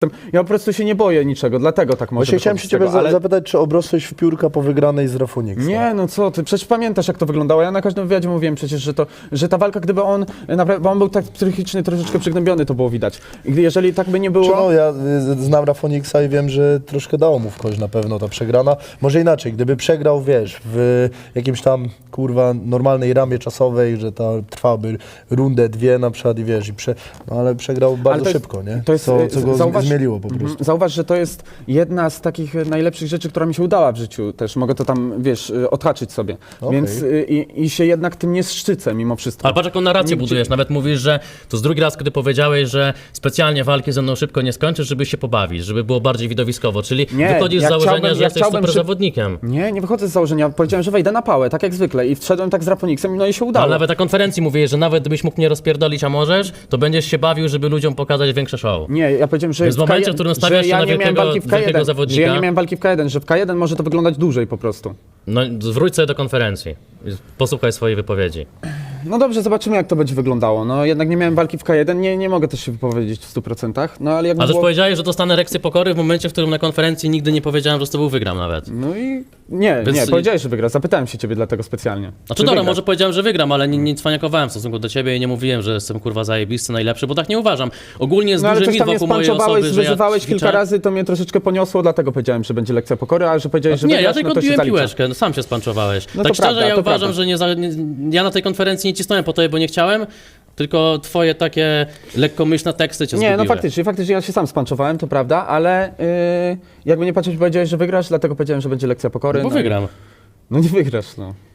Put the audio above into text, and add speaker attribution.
Speaker 1: Ja po prostu się nie boję niczego, dlatego tak może
Speaker 2: Właśnie chciałem się ciebie zapytać, czy obrosłeś w piórka po wygranej z Rafoniksa?
Speaker 1: Nie, no co ty, przecież pamiętasz jak to wyglądało. Ja na każdym wywiadzie mówiłem przecież, że ta walka, gdyby on, naprawdę, bo on był tak psychicznie troszeczkę przygnębiony, to było widać. I jeżeli tak by nie było...
Speaker 2: No, ja znam Rafoniksa i wiem, że troszkę dało mu w kość na pewno ta przegrana. Może inaczej, gdyby przegrał, wiesz, w jakimś tam, kurwa, normalnej ramie czasowej, że ta trwałaby rundę, dwie na przykład i wiesz, no, ale przegrał bardzo szybko, nie?
Speaker 1: To jest,
Speaker 2: co go zmieliło po prostu.
Speaker 1: Zauważ, że to jest jedna z takich najlepszych rzeczy, która mi się udała w życiu też. Mogę to tam, wiesz, odhaczyć sobie.
Speaker 2: Okay.
Speaker 1: Więc i się jednak tym nie szczycę mimo wszystko.
Speaker 3: Ale patrz, jaką narrację budujesz. Nawet mówisz, że to jest drugi raz, kiedy powiedziałeś, że specjalnie walki ze mną szybko nie skończysz, żeby się pobawić, żeby było bardziej widowiskowo. Czyli wychodzisz z założenia, że jesteś super zawodnikiem.
Speaker 1: Nie wychodzę z założenia. Powiedziałem, że wejdę na pałę, tak jak zwykle. I wszedłem tak z Rafoniksem, no i się udało.
Speaker 3: Ale nawet na konferencji mówiłeś, że nawet gdybyś mógł mnie rozpierdolić, a możesz, to będziesz się bawił, żeby ludziom pokazać większe show.
Speaker 1: Nie, ja powiedziałem, że
Speaker 3: w momencie, w którym stawiasz się na wielkiego zawodnika...
Speaker 1: Że ja nie miałem walki w K1, że w K1 może to wyglądać dłużej po prostu.
Speaker 3: No wróć sobie do konferencji. Posłuchaj swojej wypowiedzi.
Speaker 1: No dobrze, zobaczymy jak to będzie wyglądało. No jednak nie miałem walki w K1, nie mogę też się wypowiedzieć w 100%. No ale jakby
Speaker 3: też powiedziałeś, że dostanę erekcję pokory w momencie, w którym na konferencji nigdy nie powiedziałem, że z tobą wygram nawet.
Speaker 1: No i nie, powiedziałeś, że wygrasz. Zapytałem się ciebie dlatego specjalnie.
Speaker 3: Znaczy dobra, może powiedziałem, że wygram, ale nie cwaniakowałem w stosunku do ciebie i nie mówiłem, że jestem kurwa zajebisty, najlepszy, bo tak nie uważam. Ogólnie jest duży mit wokół mojej osoby, że
Speaker 1: wyzywałeś kilka razy, to mnie troszeczkę poniosło, dlatego powiedziałem, że będzie lekcja pokory, a że powiedziałeś, że wygrasz,
Speaker 3: ja tylko
Speaker 1: no to
Speaker 3: odbiłem
Speaker 1: się
Speaker 3: piłeczkę, no, sam się spanczowałeś.
Speaker 1: No
Speaker 3: tak
Speaker 1: to
Speaker 3: szczerze,
Speaker 1: prawda,
Speaker 3: ja uważam,
Speaker 1: prawda.
Speaker 3: że ja na tej konferencji nie cisnąłem po tobie, bo nie chciałem, tylko twoje takie lekkomyślne teksty cię zgubiły.
Speaker 1: Nie, no faktycznie ja się sam spanczowałem, to prawda, ale jakby nie patrzeć, powiedziałeś, że wygrasz, dlatego powiedziałem, że będzie lekcja pokory.
Speaker 3: Bo wygram.
Speaker 1: No nie wygrasz, no.